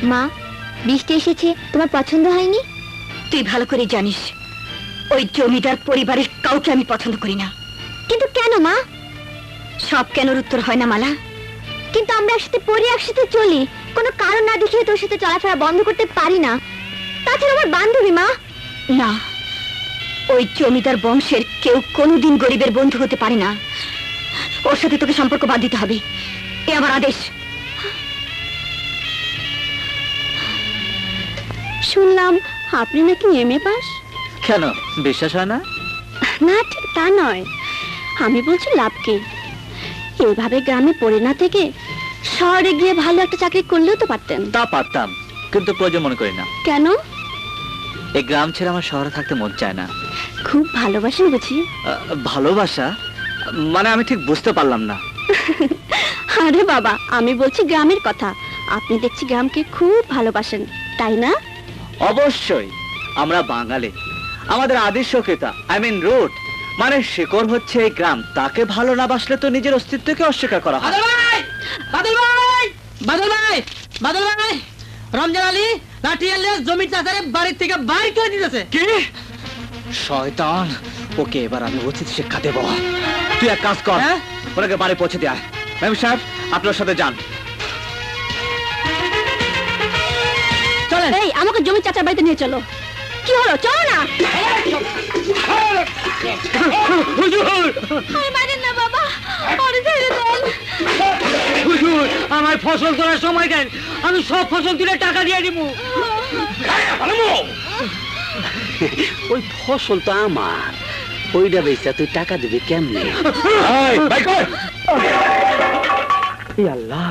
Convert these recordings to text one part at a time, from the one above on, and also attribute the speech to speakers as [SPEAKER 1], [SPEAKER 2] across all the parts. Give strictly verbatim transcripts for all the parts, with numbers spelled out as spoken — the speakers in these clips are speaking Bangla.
[SPEAKER 1] মা, বৃষ্টি এসেছে, তোমার পছন্দ হয়নি?
[SPEAKER 2] তুই ভালো করে জানিস ওই জমিদার পরিবারের কাউকে আমি পছন্দ করি না।
[SPEAKER 1] কিন্তু কেন মা?
[SPEAKER 2] সব কেনর উত্তর হয় না মালা।
[SPEAKER 1] কিন্তু আমরা একসাথে পড়ি, একসাথে চলি, কোনো কারণ না দেখিয়ে তোর সাথে চলাফেরা বন্ধ করতে পারি না। তাছাড়া আমার বান্ধবী মা।
[SPEAKER 2] না, ওই জমিদার বংশের কেউ কোনোদিন গরিবের বন্ধু হতে পারে না। ওর সাথে তোকে সম্পর্ক বাদ দিতে হবে, এ আমার আদেশ।
[SPEAKER 1] শুনলাম আপনি নাকি এম এ পাস।
[SPEAKER 3] কেন বিশ্বাস হয় না?
[SPEAKER 1] না, ঠিক তা নয়, আমি বলছি লাভ কি? এইভাবে গ্রামে পড়ে না থেকে শহরে গিয়ে ভালো একটা চাকরি করলেও তো পারতেন।
[SPEAKER 3] তা পারতাম, কিন্তু প্রয়োজন মনে করি না।
[SPEAKER 1] কেন?
[SPEAKER 3] এই গ্রাম ছেড়ে আমার শহরে থাকতে মন চায় না।
[SPEAKER 1] খুব ভালোবাসেন বুঝি?
[SPEAKER 3] আহ, ভালোবাসা মানে আমি ঠিক বুঝতে পারলাম না।
[SPEAKER 1] আরে বাবা, আমি বলছি গ্রামের কথা। আপনি দেখছি গ্রামকে খুব ভালোবাসেন, তাই না?
[SPEAKER 3] অবশ্যই, আমরা বাঙালি, আমাদের আদি সক্রিয়তা আই মিন রুট মানে শিকড় হচ্ছে এই গ্রাম। তাকে ভালো না বাসলে তো নিজের অস্তিত্বকে অস্বীকার করা হয়।
[SPEAKER 4] বাদল ভাই, বাদল ভাই, বাদল ভাই, রমজান আলী লাঠি আনলে জমির চাচারে বাড়ির থেকে বাইর করে দিতেছে।
[SPEAKER 3] কি শয়তান! ওকে এবার আমি উচিত শিক্ষা দেব। তুই এক কাজ কর,
[SPEAKER 4] হ্যাঁ?
[SPEAKER 3] ওনাকে বাড়ি পৌঁছে দেয়। ম্যাম সাহেব, আপনার সাথে যান।
[SPEAKER 4] চলেন।
[SPEAKER 1] এই, আমাকে জমির চাচার বাড়িতে নিয়ে চলো। কি হলো, চলো না।
[SPEAKER 4] হুজুর,
[SPEAKER 1] আরে মারেন না বাবা, আরে ছেড়ে দেন।
[SPEAKER 4] হুজুর, আমার ফসল তোলার সময় দেন, আমি সব ফসল তুলে টাকা দিয়ে দিব।
[SPEAKER 5] ওই ফসল তো আমার, ওইটা বেচা তুই টাকা দিবি কেমনে?
[SPEAKER 3] আল্লাহ,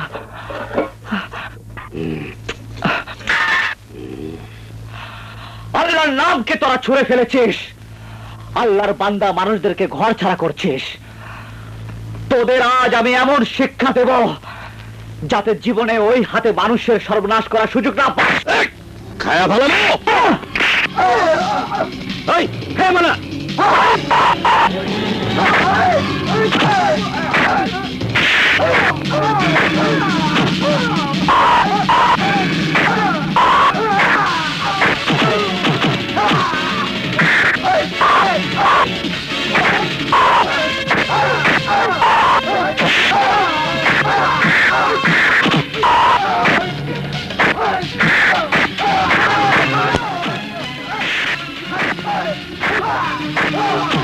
[SPEAKER 3] আল্লাহর নামকে তোরা ছুঁড়ে ফেলেছিস, আল্লাহর বান্দা মানুষদেরকে ঘর ছাড়া করছিস। তোদের আজ আমি এমন শিক্ষা দেব যাতে জীবনে ওই হাতে মানুষের সর্বনাশ করার সুযোগ না পাস। খায়া ভালো না মানা। Oh!